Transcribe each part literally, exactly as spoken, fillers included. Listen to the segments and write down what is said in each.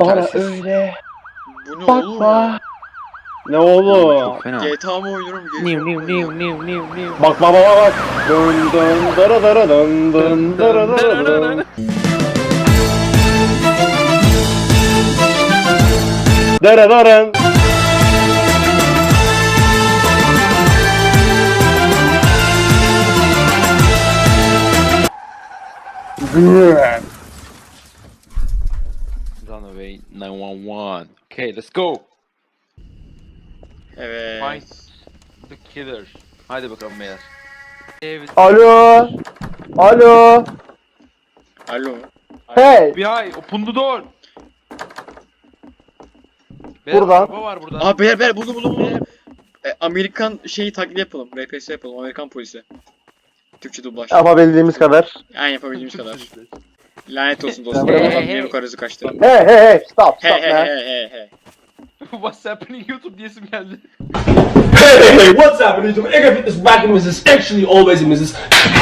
Bana Telsiz. öyle Bu ne oğlum? bakma. Ne oğlum? Çok fena. G T A mı oynuyorum? G T A Niu mı niu oynuyorum? niu niu niu niu. Bak bak bak bak. Dın dın dara dara dın dın dara dara dın. Dara dara. Güzel. Runaway nine one one. Okay, let's go. Evet. Find the killer. Haydi bakalım beyler. Evet. Alo. Alo. Alo. Hey. F B I, open the door. Buradan. Araba var burada. Aa beyler beyler buldum buldum buldum. E, Amerikan şeyi taklit yapalım. R P S yapalım. Amerikan polisi. Türkçe dublaj. Yapabildiğimiz kadar. Yani yapabildiğimiz kadar. Lanet olsun Hey, dostum. hey, Hey, hey. hey. Karısı kaçtı. Hey hey hey. Stop Hey stop hey man. hey hey hey. What's happening YouTube diyesim geldi. Hey, hey, hey, what's happening? I gotta get this back in Missus Actually, always in Missus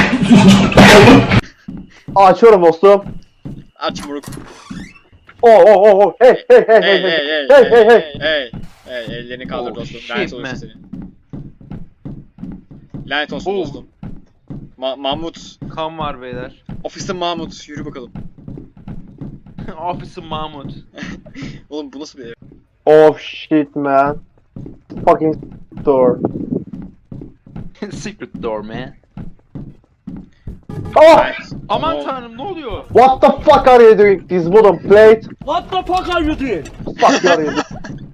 Açıyorum dostum. Aç moruk. Oh oh oh oh. Hey hey hey Hey hey hey hey. hey Hey hey hey hey. hey. Hey ellerini kaldır Oh, dostum. shit, Lanet olsun man. seni. Lanet olsun Oh. dostum. Ma Mahmut. Kan var beyler. Ofiste Mahmut. Yürü bakalım. Officer Mahmut. Oğlum bu nasıl bir ev? Oh shit man. Fucking door. Secret door man. Oh! Evet. Aman Ama o- tanrım ne oluyor? What the fuck are you doing? This wooden plate. What the fuck are you doing? Fuck you are you doing?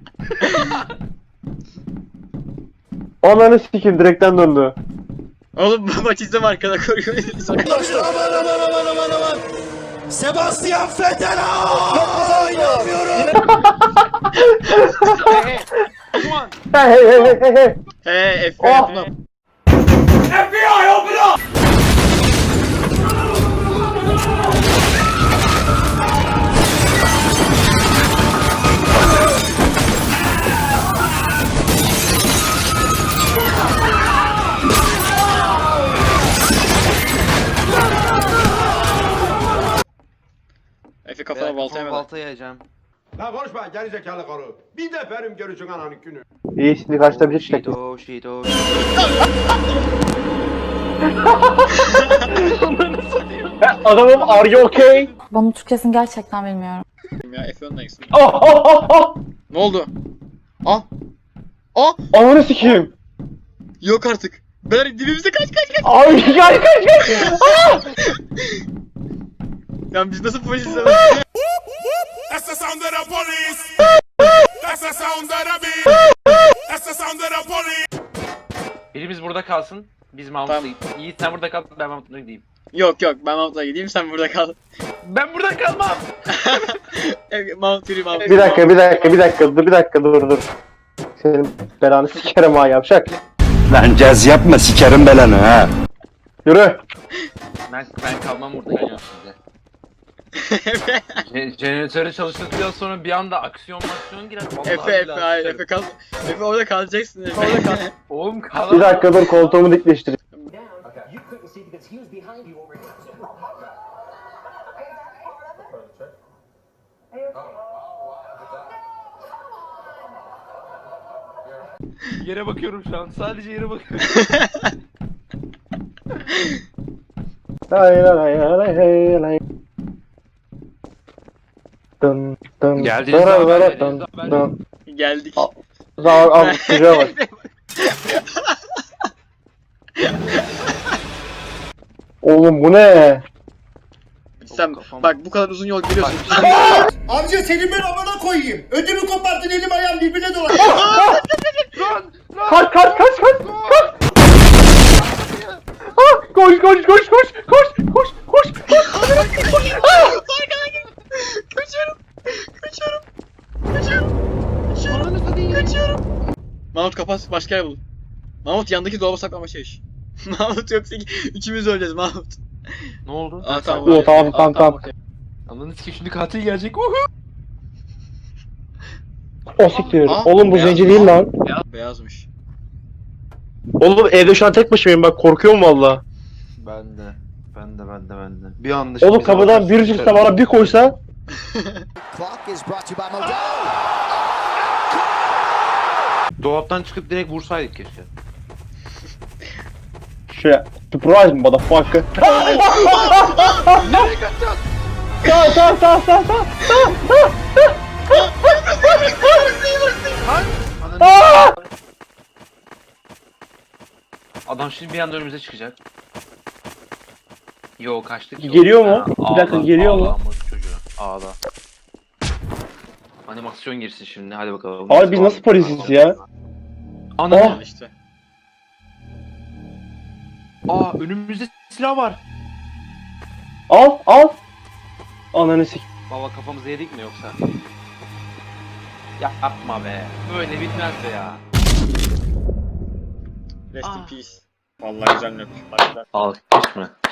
Ananı sikeyim direkten döndü. Oğlum maç izleme arkada koruyor. Aman aman aman aman aman. Sebastian Vettel. Aa, inanmıyorum. Hey hey. Come on. Hey hey hey hey hey hey. He F B I Oh. yapın. F B I, open up. Efe kafana balta yemeden. balta yiyeceğim. La konuşma geri zekalı karı. Bir de benim görücün ananın günü. İyi şimdi kaçta bir çek. Shido shido. Adamım are you okay? Bunun Türkçesini gerçekten bilmiyorum. Ya Efe öndeyiz. Oh oh oh oh. Ne oldu? Ah! Ah! Ananı sikeyim. Yok artık. Beyler dibimize kaç kaç kaç. Ay kaç kaç kaç. Ah! Ya biz nasıl polisiz? That's the sound of the police. That's the sound of the beat. That's the sound of the police. Birimiz burada kalsın. Biz Mahmut'la Tamam. gidelim. Yiğit sen burada kal, ben Mahmut'la gideyim. Yok yok ben Mahmut'la gideyim sen burada kal. Ben burada kalmam. Evet, Mahmut yürü Mahmut. Bir dakika bir dakika bir dakika dur bir dakika dur dur. Senin belanı sikerim ha yavşak. Lan caz yapma sikerim belanı ha. Yürü. Ben ben kalmam burada ya size. Je- Jeneratörü çalıştırdıktan sonra bir anda aksiyon maksiyon girer. Vallahi Efe Efe billahi hayır sıçarım. Efe kal. Efe orada kalacaksın Efe. Orada kal. Oğlum kalamam. Bir dakika dur koltuğumu dikleştireyim. You couldn't see because he was behind you over here. Yere bakıyorum şu an. Sadece yere bakıyorum. Lay lay lay lay lay. Dın dın. Geldiniz dara abi, dara geldiniz dın abi. dın. Geldik. Al. Al al çocuğa bak. Oğlum bu ne? Sen bak bu kadar uzun yol geliyorsun. Amca senin ben amına koyayım. Ödümü koparttın, elim ayağım birbirine dolaştı. Kaç kaç kaç kaç kaç. Ah, koş koş koş koş koş koş koş koş. Kaçıyorum. Kaçıyorum. Kaçıyorum. Kaçıyorum. Kaçıyorum. Mahmut kapat başka yer bul. Mahmut yandaki dolaba saklama şey. Mahmut yoksa ikimiz öleceğiz Mahmut. Ne oldu? Aa tamam. Oo, tamam, tamam, tamam. okey. Anladınız ki şimdi katil gelecek. Uhu. O siktir. Aa, Oğlum bu beyaz- zenci değil lan. Beyaz- Beyazmış. Oğlum evde şu an tek başımayım bak korkuyorum valla. Ben de. Ben de ben de ben de. Bir anda Oğlum kapıdan bir çıksa bana bir koysa Clock is brought to you by Modelo. Dolaptan çıkıp direkt vursaydık keşke. Şey, surprise motherfucker. Nereye kaçacağız? Sağ sağ sağ sağ sağ. Ananı- Adam şimdi bir anda önümüze çıkacak. Yo kaçtık. ki. Geliyor mu? Ha, Bir dakika, ağla, geliyor mu? ağla ama çocuğu. Ağla. Animasyon girsin şimdi hadi bakalım. Abi biz nasıl polisiz ya? Ananı. Oh. Al işte. Aa önümüzde silah var. Al al. Ananı sik. Baba kafamızı yedik mi yoksa? Ya yapma be. Böyle bitmez be ya. Rest in Ah. peace. Vallahi güzel nöp. Alkış mı?